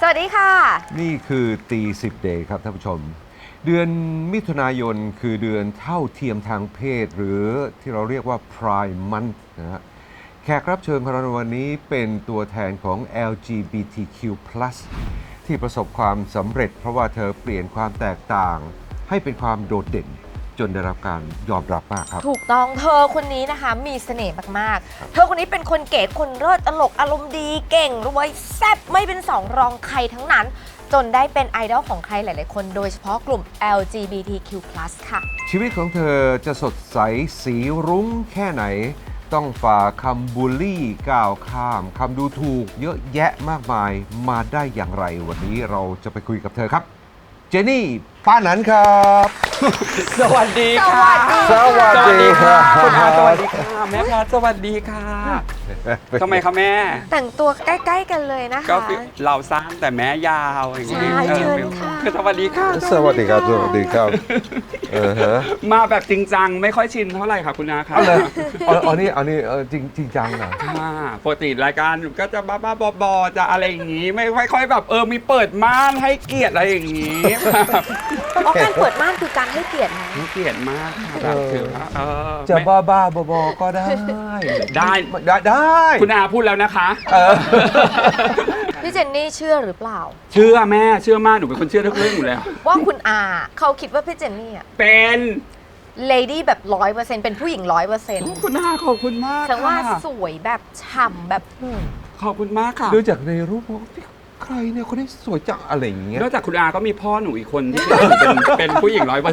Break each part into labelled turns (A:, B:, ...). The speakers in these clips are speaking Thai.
A: วัสดีค่ะ
B: นี่คือตีสิบเดย์ครับท่านผู้ชมเดือนมิถุนายนคือเดือนเท่าเทียมทางเพศหรือที่เราเรียกว่า Pride Month นะฮะแขกรับเชิญของเราในวันนี้เป็นตัวแทนของ LGBTQ+ ที่ประสบความสำเร็จเพราะว่าเธอเปลี่ยนความแตกต่างให้เป็นความโดดเด่นจนได้รับการยอมรับมากครับ
A: ถูกต้องเธอคนนี้นะคะมีเสน่ห์มากๆเธอคนนี้เป็นคนเก๋คนเลิศตลกอารมณ์ดีเก่งรวยแซ่บไม่เป็นสองรองใครทั้งนั้นจนได้เป็นไอดอลของใครหลายๆคนโดยเฉพาะกลุ่ม LGBTQ+ ค่ะ
B: ชีวิตของเธอจะสดใสสีรุ้งแค่ไหนต้องฝ่าคำบูลลี่ก้าวข้ามคำดูถูกเยอะแยะมากมายมาได้อย่างไรวันนี้เราจะไปคุยกับเธอครับเจนี่ป้าหนันครับ
C: สวัสดีค่ะ
B: สวัสดีค่ะ
C: คุณอาสวัสดีค่ะแม่พลาสวัสดีค่ะทำไมคะแม่
A: แต่งตัวใกล้ๆกันเลยนะคะ
C: ก็เราสั้นแต่แม่ยาวอย่างนี้
A: ใช่เชิญค่ะ
C: สวัสดีค่ะ
B: สวัสดีครับสวัสดีครับ
C: มาแบบจริงจังไม่ค่อยชินเท่าไหร่ค่ะคุณอาค่ะ
B: อันนี้จริงจังนะ
C: ปกติรายการก็จะบ้าๆบอๆจะอะไรอย่างนี้ไม่ค่อยแบบมีเปิดม่านให้เกียรติอะไรอย่างนี้
A: การเปิดม่านคือการให้เกียรตินะ
C: ให้เกียรติมากค่ะถือว่า
B: จะบ้าๆบอๆก็ได้
C: คุณอาพูดแล้วนะคะ
A: พี่เจนนี่เชื่อหรือเปล่า
C: เชื่อแม่เชื่อมากหนูเป็นคนเชื่อทุกเรื่องอยู่แล้ว
A: ว่าคุณอาเขาคิดว่าพี่เจนนี่
C: เป็น
A: เลดี้แบบ 100% เป็นผู้หญิง 100%
C: คุณอาขอบคุณมาก
A: ฉันว่าสวยแบบฉ่ำแบบ
C: ขอบคุณมากค่ะ
B: ดูจากในรูปใครเนี่ยคนนี้สวยจังอะไรอย่างเงี้ย
C: นอกจากคุณอาก็มีพ่อหนูอีกคนที่เป็นผู้หญิง 100%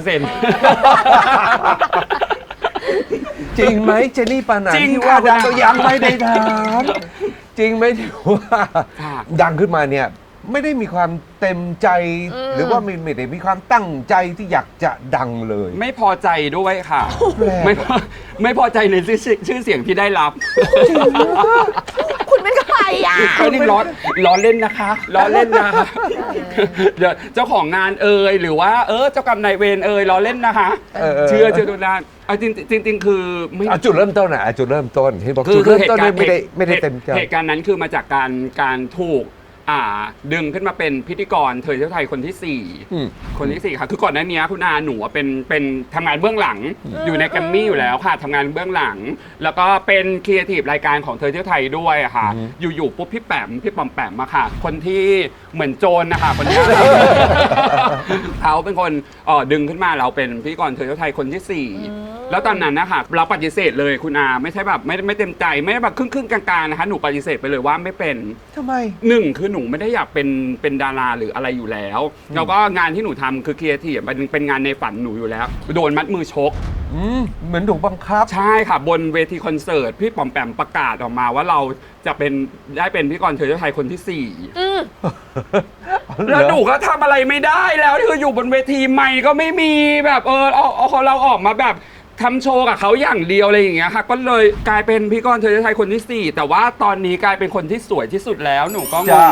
B: จริงไหมเจนี่ปานันที่ว่าดังก็ยังไม่ได้ถามจริงไหมที่ว่าดังขึ้นมาเนี่ยไม่ได้มีความเต็มใจหรือว่าไม่ได้มีความตั้งใจที่อยากจะดังเลย
C: ไม่พอใจด้วยค่ะไม่พอใจในชื่อเสียงที่ได้รับ
A: คุณเป็นใครอ่ะ
C: นี่ล้อเล่นนะคะล้อเล่นนะคะเดี๋ยวเจ้าของงานหรือว่าเจ้ากรรมนายเวรล้อเล่นนะคะเชื่อดูนะจริงคือไม่
B: จุดเริ่มต้นจุดเริ่มต้นเห็นบอกจุดเริ่มต้นไม่ได้เต็มใจ
C: เหตุการณ์นั้นคือมาจากการถูกดึงขึ้นมาเป็นพิธีกรเธอเที่ยวไทยคนที่4คนที่4ค่ะคือก่อนหน้านี้คุณอาหนูเป็นทำงานเบื้องหลังอยู่ในแกรมมี่อยู่แล้วค่ะทำงานเบื้องหลังแล้วก็เป็นครีเอทีฟรายการของเธอเที่ยวไทยด้วยค่ะอยู่ปุ๊บพี่ปอมแปมมาค่ะคนที่เหมือนโจรนะคะคนนี้เขาเป็นคนดึงขึ้นมาเราเป็นพิธีกรเธอเที่ยวไทยคนที่4แล้วตอนนั้นนะคะเราปฏิเสธเลยคุณอาไม่ใช่แบบไม่เต็มใจไม่ได้แบบครึ่งกลางๆนะคะหนูปฏิเสธไปเลยว่าไม่เป็น
B: ทำไม
C: 1คือหนูไม่ได้อยากเป็นดาราหรืออะไรอยู่แล้วแล้วก็งานที่หนูทำคือครีเอทีฟเป็นงานในฝันหนูอยู่แล้วโดนมัดมือชก
B: เหมือนถูกบังคับ
C: ใช่ค่ะบนเวทีคอนเสิร์ตพี่ปอมแปมประกาศออกมาว่าเราจะได้เป็นพิธีกรเธอเที่ยวไทยคนที่4แล้วหนูก็ทำอะไรไม่ได้แล้วคืออยู่บนเวทีใหม่ก็ไม่มีแบบเราออกมาแบบทำโชว์กับเขาอย่างเดียวอะไรอย่างเงี้ยค่ะก็เลยกลายเป็นพิธีกรเธอเที่ยวไทยคนที่4แต่ว่าตอนนี้กลายเป็นคนที่สวยที่สุดแล้วหนูก็งง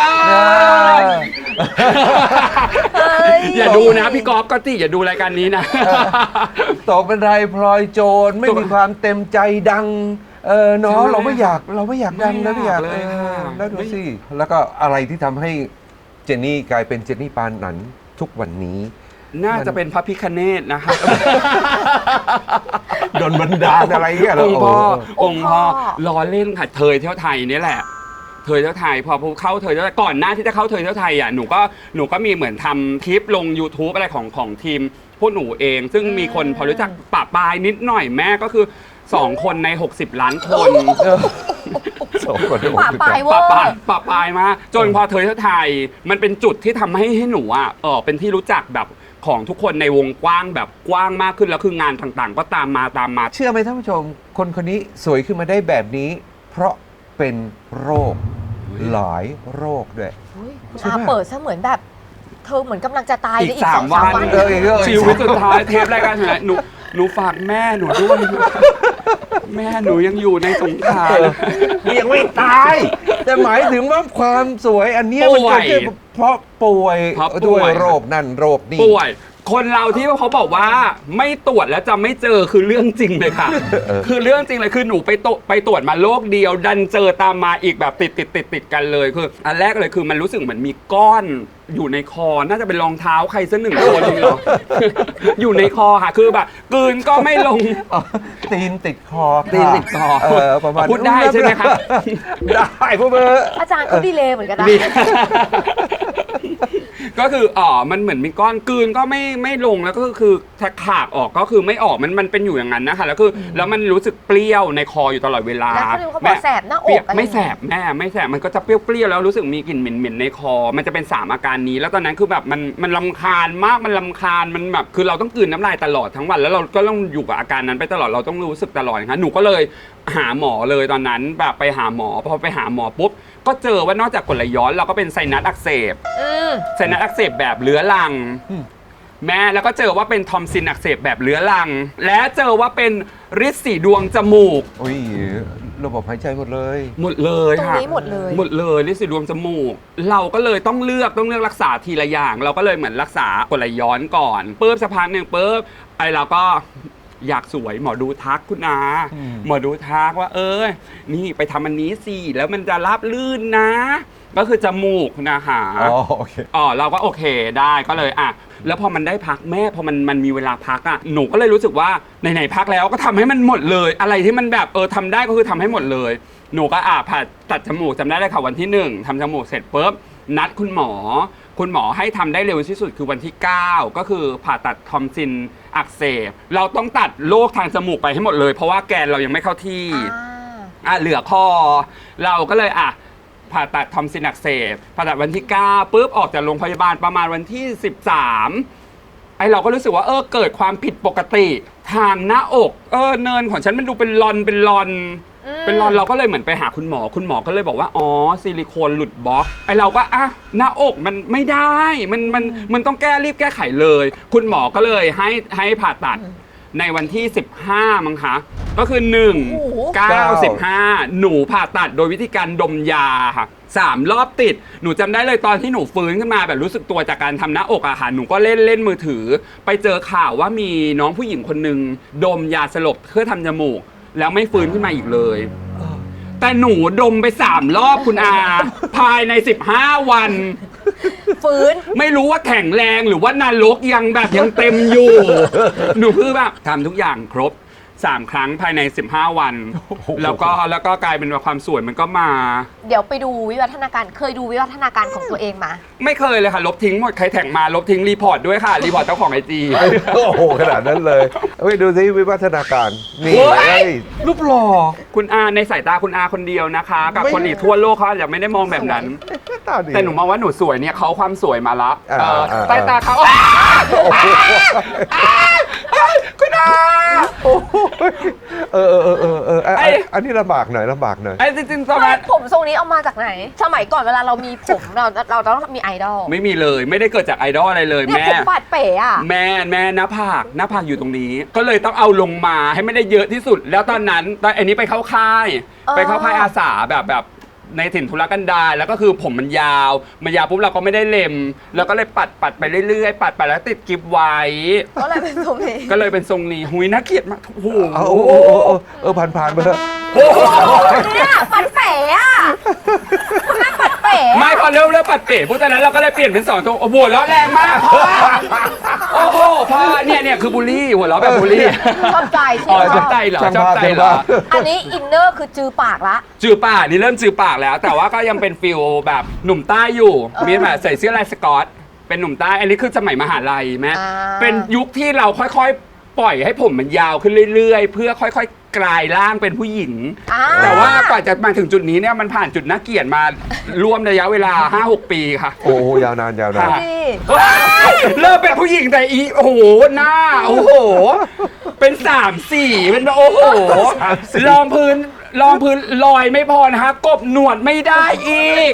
C: อย่าดูนะพี่กอล์ฟก็ติอย่าดูรายการนี้นะ
B: ตกเป็นไรพลอยโจรไม่มีความเต็มใจดังเนาะเราไม่อยากดังแล้วไม่อยากเลยแล้วดูสิแล้วก็อะไรที่ทำให้เจนนี่กลายเป็นเจนนี่ปานนันทุกวันนี้
C: น่าจะเป็นพระพิฆเนศนะคะ
B: โดนบันดาลอะไรเงี้ย
C: องค์พ่อล้อเล่นค่ะเธอเที่ยวไทยนี่แหละเธอเที่ยวไทยพอเข้าเธอเที่ยวไทยก่อนหน้าที่จะเข้าเธอเที่ยวไทยหนูก็มีเหมือนทำคลิปลง YouTube อะไรของทีมพวกหนูเองซึ่งมีคนพอรู้จักปะปายนิดหน่อยแม่ก็คือ2คนใน60ล้านคน
A: ปะปาย
C: มาจนพอเธอเที่ยวไทยมันเป็นจุดที่ทำให้หนูเป็นที่รู้จักแบบของทุกคนในวงกว้างแบบกว้างมากขึ้นแล้วคืองานต่างๆก็ตามมา
B: เชื่อไหมท่านผู้ชมคนนี้สวยขึ้นมาได้แบบนี้เพราะเป็นโรคหลายโรคด้วย
A: เปิดซะเหมือนแบบเธอเหมือนกำลังจะตาย
C: อีก3 วันชีวิตสุดท้ายเทปรายการหนูฝากแม่หนูด้วยแม่หนูยังอยู่ในสงคราม
B: ยังไม่ตายแต่หมายถึงว่าความสวยอันนี้มันเกิดขึ้นเพราะป่วยด้วยโรคนั่นโรคนี้
C: ป่วยคนเราที่เขาบอกว่าไม่ตรวจแล้วจะไม่เจอคือเรื่องจริงเลยค่ะ คือเรื่องจริงเลยคือหนูไปตรวจมาโรคเดียว ดันเจอตามมาอีกแบบติดกันเลยคืออันแรกเลยคือมันรู้สึกเหมือนมีก้อนอยู่ในคอน่าจะเป็นรองเท้าใครสักหนึ่งคนเหรอ อยู่ในคอค่ะคือแบบกลืนก็ไม่ลง
B: ตีนติดคอ
C: ตีนติดคอ
B: ประมาณ
C: พูดได้ใช่ไหมครับ
B: ได้พวกเบอร์
A: อาจารย์ก็ดีเลยเหมือนกันนะ
C: ดี ก็คือมันเหมือนมีก้อนกลืนก็ไม่ลงแล้วก็คือถ้าขากออกก็คือไม่ออกมันเป็นอยู่อย่างนั้นนะคะแล้วคือแล้วมันรู้สึกเปรี้ยวในคออยู่ตลอดเวลา
A: แล้วเขาบอกแสบหน้าอกอะไร
C: ไม่แสบแม่ไม่แสบมันก็จะเปรี้ยวๆแล้วรู้สึกมีกลิ่นเหม็นๆในคอ มันจะเป็น3อาการนี้แล้วตอนนั้นคือแบบมันรำคาญมากมันรำคาญมันแบบคือเราต้องกลืนน้ำลายตลอดทั้งวันแล้วเราก็ต้องอยู่กับอาการนั้นไปตลอดเราต้องรู้สึกตลอดนะคะหนูก็เลยหาหมอเลยตอนนั้นแบบไปหาหมอพอไปหาหมอปุ๊บก็เจอว่านอกจากกรดไหลย้อนเราก็เป็นไซนัสอักเสบไซนัสอักเสบแบบเรื้อรังแม่แล้วก็เจอว่าเป็นทอมซินอักเสบแบบเรื้อรังและเจอว่าเป็นฤทธิ์สีดวงจมูก
B: อุ้ยระบบหายใจหมดเลย
C: หมดเลย
A: ตรง
C: ค่ะ
A: นี้หมดเลย
C: หมดเลยฤทธิ์สีดวงจมูก เราก็เลยต้องเลือกรักษาทีละอย่าง เราก็เลยเหมือนรักษากรดไหลย้อนก่อนปุ๊บสักพักหนึ่งปุ๊บไอเราก็อยากสวยหมอดูทักคุณอาหมอดูทักว่านี่ไปทำอันนี้สิแล้วมันจะราบลื่นนะ ก็คือจมูกนะคะ
B: อ๋อโอเค
C: เราก็โอเคได้ก็เลยแล้วพอมันได้พักแม่พอมันมีเวลาพักหนูก็เลยรู้สึกว่าไหนๆพักแล้วก็ทำให้มันหมดเลย อะไรที่มันแบบทำได้ก็คือทำให้หมดเลยหนูก็ผ่าตัดจมูกจำได้เลยค่ะวันที่1ทำจมูกเสร็จปุ๊บนัดคุณหมอให้ทำได้เร็วที่สุดคือวันที่9ก็คือผ่าตัดทอมซินอักเสบเราต้องตัดโรคทางจมูกไปให้หมดเลยเพราะว่าแกนเรายังไม่เข้าที่เหลือคอเราก็เลยผ่าตัดทอมซินอักเสบผ่าตัดวันที่9ปุ๊บออกจากโรงพยาบาลประมาณวันที่13ไอเราก็รู้สึกว่าเกิดความผิดปกติทางหน้าอกเนินของฉันมันดูเป็นรอนเราก็เลยเหมือนไปหาคุณหมอก็เลยบอกว่าซิลิโคนหลุดบล็อกไอเราก็หน้าอกมันไม่ได้มันต้องรีบแก้ไขเลย คุณหมอก็เลยให้ผ่าตัดในวันที่15มั้งคะก็คือ1 9 15หนูผ่าตัดโดยวิธีการดมยาค่ะ3 รอบติดหนูจำได้เลยตอนที่หนูฟื้นขึ้นมาแบบรู้สึกตัวจากการทำหน้าอกหนูก็เล่นมือถือไปเจอข่าวว่ามีน้องผู้หญิงคนหนึ่งดมยาสลบเพื่อทำจมูกแล้วไม่ฟื้นขึ้นมาอีกเลยแต่หนูดมไป3 รอบคุณอาภายใน15 วัน
A: ฟื้น
C: ไม่รู้ว่าแข็งแรงหรือว่านรกยังเต็มอยู่ หนูคือแบบทำทุกอย่างครบ3 ครั้งภายใน15 วันแล้วก็กลายเป็นว่าความสวยมันก็มา
A: เดี๋ยวไปดูวิวัฒนาการเคยดูวิวัฒนาการของตัวเองมา
C: ไม่เคยเลยค่ะลบทิ้งหมดใครแท็กมาลบทิ้งรีพอร์ตด้วยค่ะรีพอร์ตเจ้าของIG
B: โอ้โหขนาดนั้นเลยดูสิวิวัฒนาการนี่รูปหล่อ
C: คุณอาในสายตาคุณอาคนเดียวนะคะกับคนอีกทั่วโลกเขาอาจจะไม่ได้มองแบบนั้นแต่หนูมองว่าหนูสวยเนี่ยเขาความสวยมาละสายตาเขาคุณอา
B: อันนี้ลำบากหน่อย
C: จริงๆตอนนั้น
A: ผมทรงนี้เอามาจากไหนสมัยก่อนเวลาเรามีผมเราต้องมีไอดอล
C: ไม่มีเลยไม่ได้เกิดจากไอดอลอะไรเลยแม่
A: ผมปาดเป๋
C: แม่หน้าผากอยู่ตรงนี้ก็เลยต้องเอาลงมาให้ไม่ได้เยอะที่สุดแล้วตอนอันนี้ไปเข้าค่ายอาสาแบบในถิ่นทุรกันดารแล้วก็คือผมมันยาวปุ๊บเราก็ไม่ได้เล็มแล้วก็เลยปัดไปเรื่อยๆปัดไปแล้วติดกิ๊บไว้
A: ก็เลยเป็นทรง
C: นี้หุยน่าเกลียดมากโอ้โห
B: ผ่านไปเถอะ
A: เนี่ยปัดเป๋คุณแม่ปัดเป๋
C: ไม่พอเริ่มปัดเป๋พวกตอนนั้นเราก็เลยเปลี่ยนเป็น2 ตัวโอ้โหแล้วแรงมากโอ้โหพ่อเนี่ยคือบูลลี่หัวเราะแบบบูลลี่
A: ชอบใจ
C: ชอบใจเหรอ
A: อันนี้อินเนอร์คือจือปากละ
C: จือปากนี่เริ่มจือปากแล้วแต่ว่าก็ยังเป็นฟิลแบบหนุ่มใต้อยู่มีแบบใส่เสื้อลายสก๊อตเป็นหนุ่มใต้อันนี้คือสมัยมหาลัยแม่เป็นยุคที่เราค่อยๆปล่อยให้ผมมันยาวขึ้นเรื่อยๆเพื่อค่อยๆกลายร่างเป็นผู้หญิงแต่ว่ากว่าจะมาถึงจุดนี้เนี่ยมันผ่านจุดน่าเกลียดมาร่วมระยะเวลา 5-6 ปีค่ะ
B: โอ้ยาวนาน
C: เริ่มเป็นผู้หญิงแต่โอ้โหหน้าโอ้โหเป็น3-4เป็นโอ้โหรองพื้นลอยไม่พอนะคะกบหนวดไม่ได้อีก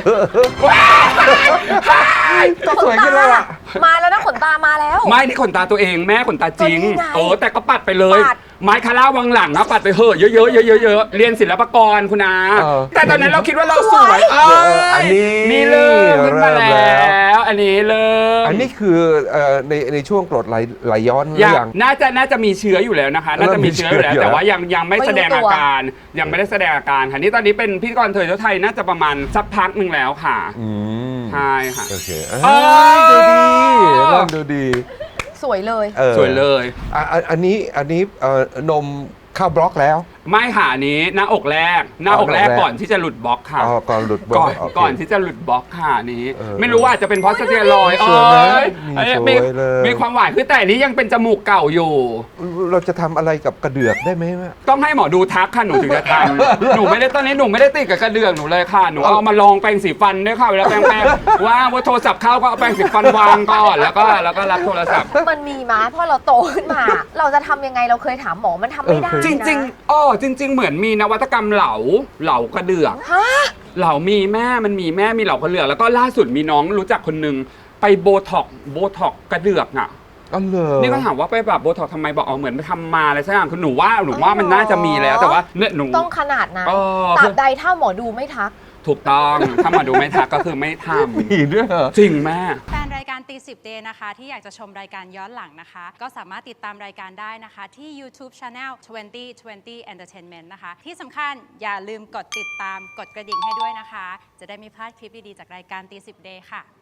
B: ก็สวยขึ้นแล้วอ่ะ
A: มาแล้วนะขนตามาแล้ว
C: ไม่นี่ขนตาตัวเองแม่ขนตาจริงแต่ก็ปัดไปเลยไม้คาร่าวังหลังนะปัดไปเยอะเรียนศิลปากรคุณอาแต่ตอนนั้นเราคิดว่าเราสวย
B: อันนี้
C: นี่เริ่มขึ้นมาแล้วอันนี้เริ่ม
B: อันนี้คือในช่วงกรดไหลย้อนหรือ
C: ยั
B: ยัง ง
C: น่าจะมีเชื้ออยู่แล้วนะคะ น่าจะมีเชื้ออยู่แล้ว
B: เริ่มมีเชื้อ
C: แต่ว่ายังไม่แสดงอาการยังไม่ได้แสดงอาการค่ะนี่ตอนนี้เป็นพิธีกรเทยเจ้าไทยน่าจะประมาณสักพักหนึ่งแล้วค่ะ
B: อืม
C: ใช่ค่ะ
B: โอเค
C: เออ
B: ดูดีเริ่มดูดี
A: สวยเลย
C: สวยเลย
B: อันนี้นมเข้าบล็อกแล้ว
C: ไม่ค่ะอันนี้หน้าอกแรกก่อนที่จะหลุดบล็อกค่ะ
B: อ๋อก่อนหลุดบล็อกโเค
C: ก่อนที่จะหลุดบล็อกค่ะอันนี้
B: เออ
C: ไม่รู้ว่าอาจจะเป็นเพราะสเตียรอยด์
B: สวยไหม
C: เอ้ย
B: สวยเลย
C: มีความหวานคือแต่อันนี้ยังเป็นจมูกเก่าอยู่
B: เราจะทำอะไรกับกระเดือกได้ไหมแม่
C: ต้องให้หมอดูทักค่ะหนูถึงจะทำ หนูไม่ได้ตอนนี้หนูไม่ได้ติดกับกระเดือกหนูเลยค่ะหนูเอามาลองแปรงสีฟันด้วยค่ะเวลาแปรงว่างว่าโทรศัพท์เข้าก็เอาแปรงสีฟันวางก่อนแล้วก็รับโทรศัพท์
A: มันมีมาเพราะเราโตขึ้นมา เราจะทำยังไงเราเคยถามหมอมันทำไม่ได้
C: จริง
A: นะ
C: ๆจริง ๆ เหมือนมีนวัตกรรมเหลากระเดือก
A: ฮะ
C: เหลามีแม่มันมีแม่มีเหลากระเดือกแล้วก็ล่าสุดมีน้องรู้จักคนนึงไปโบท็อกกระเดือกอ่ะ
B: อ๋อเหรอ
C: นี่ก็ถามว่าไปแบบโบท็อกทำไมบอกเหมือนไปทำมาอะไรสักอย่างคือหนูว่ามันน่าจะมีแล้วแต่ว่าเนี่ยหนู
A: ต้องขนาดนั้น
C: เออ
A: ตราบใดถ้าหมอดูไม่ทัก
C: ถูกต้องถ้ามาดูไม่ทักก็คือไม่ท
B: มีด้วยเหรอ
C: ำจริงแม่
D: แฟนรายการตี10 Day นะคะ ที่อยากจะชมรายการย้อนหลังนะคะ ก็สามารถติดตามรายการได้นะคะ ที่ YouTube Channel 2020 Entertainment นะคะ ที่สำคัญอย่าลืมกดติดตามกดกระดิ่งให้ด้วยนะคะ จะได้ไม่พลาดคลิปดี ๆ จากรายการตี10 Day ค่ะ